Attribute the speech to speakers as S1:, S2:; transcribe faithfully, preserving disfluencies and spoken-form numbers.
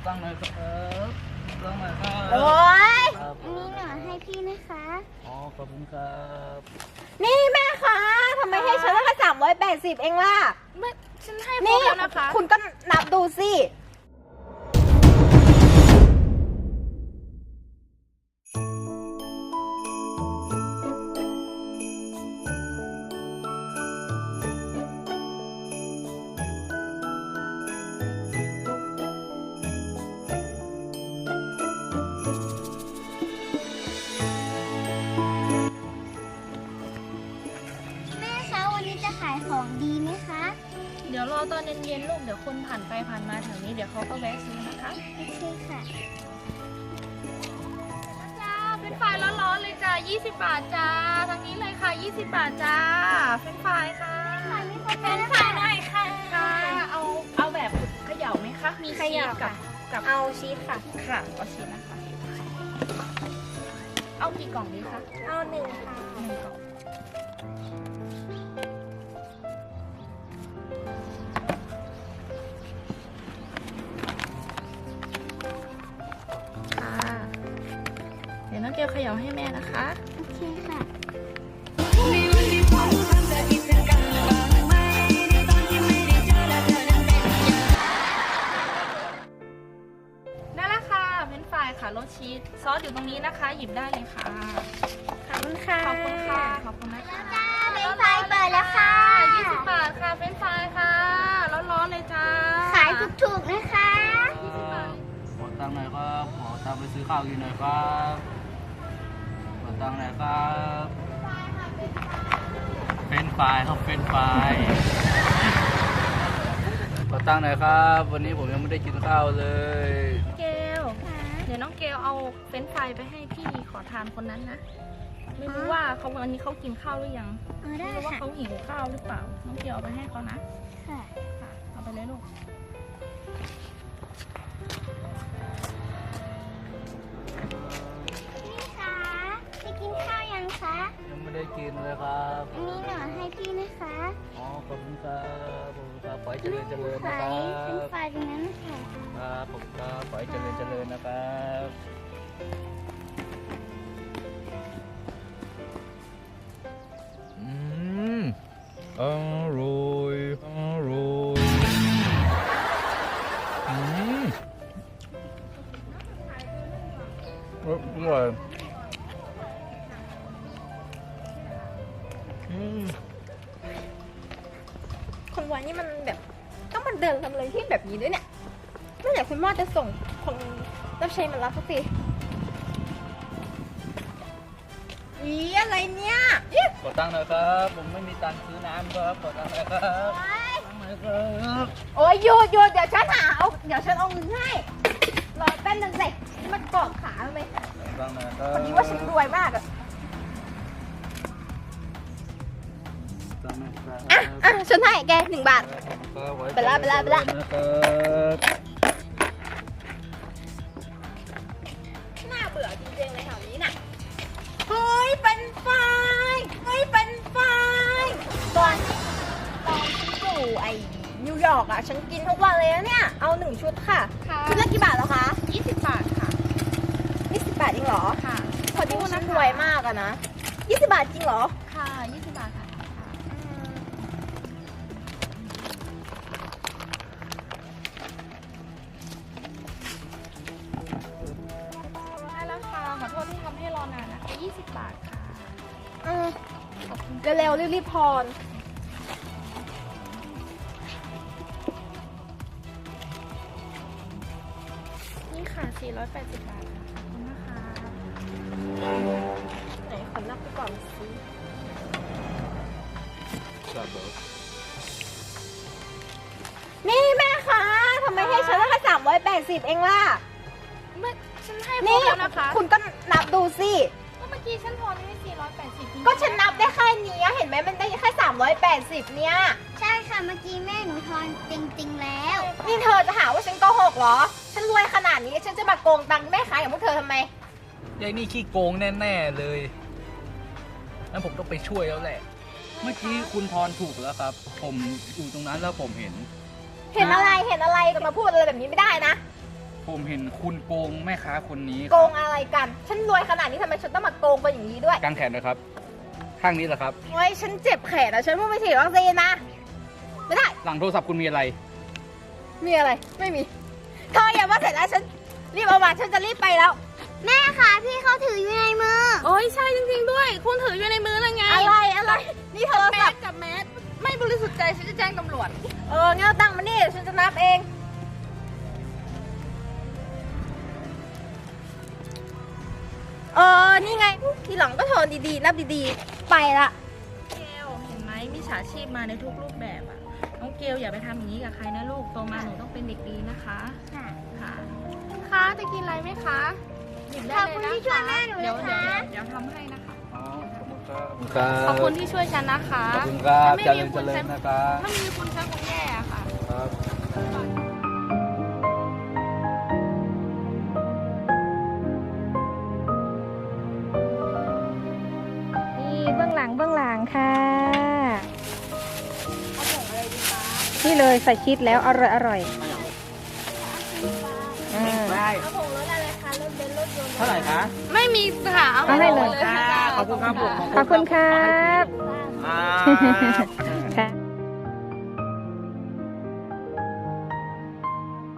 S1: ตั้งหน่อยครับตั้งหน่อยครับ
S2: โอ้ย
S1: ครับ
S3: อันนี้หนูให้พี่นะคะ
S1: อ๋อขอบคุณครับ
S2: นี่แม่คะทำไมให้ฉันตั้งแค่สามร้อยแปดสิบเองล่ะ
S4: ไม่ฉันให้คร
S2: นี่
S4: บแล้วนะคะ
S2: คุณก็นับดูสิ
S3: แม่คะวันนี้จะขายของดีไหมคะ
S4: เดี๋ยวรอตอนเย็นๆลูกเดี๋ยวคนผ่านไปผ่านมาแถวนี้เดี๋ยวเขาก็แวะซื้อนะคะ
S3: โอเคค่ะ
S4: จ้าเป็นไฟร้อนๆเลยจ้ายี่สิบบาทจ้าทางนี้เลยค่ะยี่สิบบาทจ้าเป็นไฟค่ะ
S3: เป็นไฟหน่อยค่ะ
S4: ค่ะเอาเอาแบบเขย่าไหมคะมี
S2: เขย่า
S4: ชีสกับ
S2: ค่ะ
S4: กับ
S2: เอาชีสค่ะ
S4: ค่ะเอาชีสนะคะเอากี่กล่องดีคะ
S2: เอาหนึ่งค่ะ
S4: หนึ่งกล่องค่ะเดี๋ยวน้องเกลเขย่าให้แม่นะคะ
S3: โอเคค่ะ
S4: นั่นแหละค่ะเป็นไฟรายค่ะรสชีสซอสอยู่ตรงนี้นะคะ หยิบได้เลยค่ะ
S2: ขอบคุณค่ะ
S4: ขอบคุณค่ะ ขอบคุณนะคะ
S3: จ้าเป็นไฟเปิดแล้วค่ะ
S4: ยี่สิบบาทค่ะเป็นไฟรายค่ะ ร้อนๆเลยจ้า
S3: ขายถูกๆนะคะ
S1: ขอตังค์หน่อยครับขอตังค์ไปซื้อข้าวกินหน่อยครับขอตังค์หน่อยครับเป็นไฟล์ครับเป็นไฟล์ขอตังค์หน่อยครับ วันนี้ผมยังไม่ได้กินข้าวเลย
S4: เกลเดี๋ยวน้องเกลเอาเฟรนช์ฟรายไปให้พี่ขอทานคนนั้นนะ ไม่รู้ว่าเขาวันนี้เขากินข้าวหรือยัง
S3: เออ
S4: ไม่
S3: ได้
S4: รู้ว่า
S3: ค่ะ
S4: เขาหิวข้าวหรือเปล่า น้องเกลเอาไปให้เขานะ
S3: ค่ะ
S4: ค่ะ เอาไปเลยลูก
S3: พี่คะไปกินข้าวยังคะ
S1: ยังไม่ได้กินเลยครับ
S3: อันนี้หนูให้พี่นะคะ
S1: อ๋อขอบคุณครับขอบคุณครับขอให้เจริญเจริญนะ
S3: ขา
S1: ครั
S3: ยเป็น
S1: บ
S3: ไฟตรงนั้นค่ะ
S1: ครับผมครับขอให้เจริญเจริญนะครับอืมอร่อยอร่อยอืมอร่อยอืม
S2: คนวันนี้มันแบบต้องมาเดินทำอะไรที่แบบนี้ด้วยเนี่ยเมื่อไหร่คุณพ่อจะส่งคนรับใช้มารับสักทีอีอะไรเนี่ยอี
S1: ขอตังค์หน่อยครับ ผมไม่มีตังค์ซื้อน้ำครับขอตังค์หน่อยครับตังค์หน่อยครับ
S2: โอ้ยหยุดหยุดเดี๋ยวฉันหาเอาเดี๋ยวฉันเอาเงินให้รอแป๊บนึงสิมันเกาะขาทำไม
S1: ตังค์หน่อยครับ
S2: พอดีว่าฉันรวยมากอะ
S1: ตังค์หน่อยครับ
S2: อ่ะอ่ะฉันให้แกหนึ่งบาท ไปละไปละไปละ
S1: นะครับ
S2: น่าเบื่อจริงๆเลยแถวนี้น่ะ เฮ้ย เป็นไฟเฮ้ย เป็นไฟตอนตอนฉันอยู่ไอ้นิวยอร์กอ่ะ ฉันกินทุกวันเลยนะเนี่ย เอาหนึ่งชุดค่ะ
S4: ค่ะ
S2: ชุดละกี่บาทแล้วคะ
S4: ยี่สิบบาทค่ะ
S2: ยี่สิบบาทจริงเหรอ
S4: ค่ะ
S2: พอดีว่าฉันรวยมากอะนะยี่สิบบาทจริงเหรอ
S4: ค่ะยี่สิบบาทค่ะ ได้แล้วค่ะ ขอโทษที่ทำให้รอนานนะคะยี่สิบบาทค่ะ
S2: อืมเร็วๆรีบๆพร
S4: นี่ค่ะสี่ร้อยแปดสิบบาทค่ะขอบคุณนะคะ
S2: ไหนขอนับไปก่อนสิ
S1: ครับผม
S2: นี่แม่คะทำไมให้ฉันตั้งแค่สามร้อยแปดสิบเองล่ะ
S4: เมื่อฉันให้คร
S2: นี่
S4: บแล้วนะคะ
S2: คุณก็นับดูสิ
S4: ก็เมื่อกี้ฉันทอนให้สี่ร้อยแปดสิบ
S2: ก็ฉันนับได้แค่นี้เห็นไหมมันได้แค่สามร้อยแปดสิบเนี่ย
S3: ใช่ค่ะ เมื่อกี้แม่หนูทอนจริงๆแล้ว
S2: นี่เธอจะหาว่าฉันโกหกเหรอ ฉันรวยขนาดนี้ฉันจะมาโกงตังค์แม่ค้าอย่างพวกเธอทำไม
S1: ยายนี่ขี้โกงแน่ๆเลยงั้นผมต้องไปช่วยแล้วแหละ เมื่อกี้คุณทอนถูกแล้วครับ ผมอยู่ตรงนั้นแล้วผมเห็น
S2: เห็นอะไรเห็นอะไรจะมาพูดอะไรแบบนี้ไม่ได้นะ
S1: ผมเห็นคุณโกงแม่ค้าคนนี้
S2: โกงอะไรกัน ฉันรวยขนาดนี้ทำไมฉันต้องมาโกงไปอย่างนี้ด้วย
S1: กางแขนเลยครับ ข้างนี้แหละครับ
S2: โอ้ยฉันเจ็บแขนอะฉันเพิ่งไปฉีดวัคซีนนะไม่ได้
S1: หลังโทรศัพท์คุณมีอะไร
S2: มีอะไร ไม่มี เธออย่ามาเสร็จแล้วฉันรีบเอามาฉันจะรีบไปแล้ว
S3: แม่คะพี่เขาถืออยู่ในมือ
S4: โอ้ยใช่จริงๆด้วย คุณถืออยู่ในมือแล้วไง
S2: อะไรอะไร นี่โทร
S4: แม
S2: ศัพ
S4: ส
S2: ท์
S4: กับแมสไม่บริสุทธิ์ใจฉันจะแจ้งตำรวจ
S2: เอองั้นเอาตังค์มานี่ฉันจะนับเอง เออ นี่ไง ทีหลังก็โทรดีๆ นับดีๆ ไปละ
S4: เกลเห็นไหมมิจฉาชีพมาในทุกรูปแบบอะน้องเกลอย่าไปทำอย่างนี้กับใครนะลูกโตมาหนูต้องเป็นเด็กดีนะคะ
S3: ค่ะ
S4: ค่ะคุณคะจะกินอะไรไหมคะหยิบได้เลยนะ
S3: ขอบคุณที่ช่วยแม่หนู
S4: เดี๋ยว
S3: นะคะ
S4: เดี๋ยวเดี๋ยวทำให้นะคะ
S1: อ๋อ ขอบคุณครับ
S4: ขอบคุณที่ช่วยฉันนะคะ
S1: ขอบคุณครับ
S4: ถ้า
S1: เจ
S4: ไม่
S1: ริ
S4: มี
S1: ญ
S4: คุ
S1: เจ
S4: ณ
S1: ริ
S4: ฉั
S1: ญ
S4: น
S1: นะครับ
S4: ถ้าไม่มีคุณฉันคงแย่อะค่ะ
S1: ครับ
S5: นี่เบื้องหลังเบื้องหลังค่ะ
S2: เอาผงอะไรดีคะ
S5: นี่เลยใส่ชีสแล้วอร่อยอร่อยอ่า
S2: เอาผงรสอะไรคะรสเบนซ์รสยนต์
S1: เท่าไหร่คะ
S4: ไม่มีค่ะเอา
S5: เอาให้เลย
S4: ค่ะ
S1: ขอบคุณครับผม
S5: ขอบคุณครับ
S1: อ่า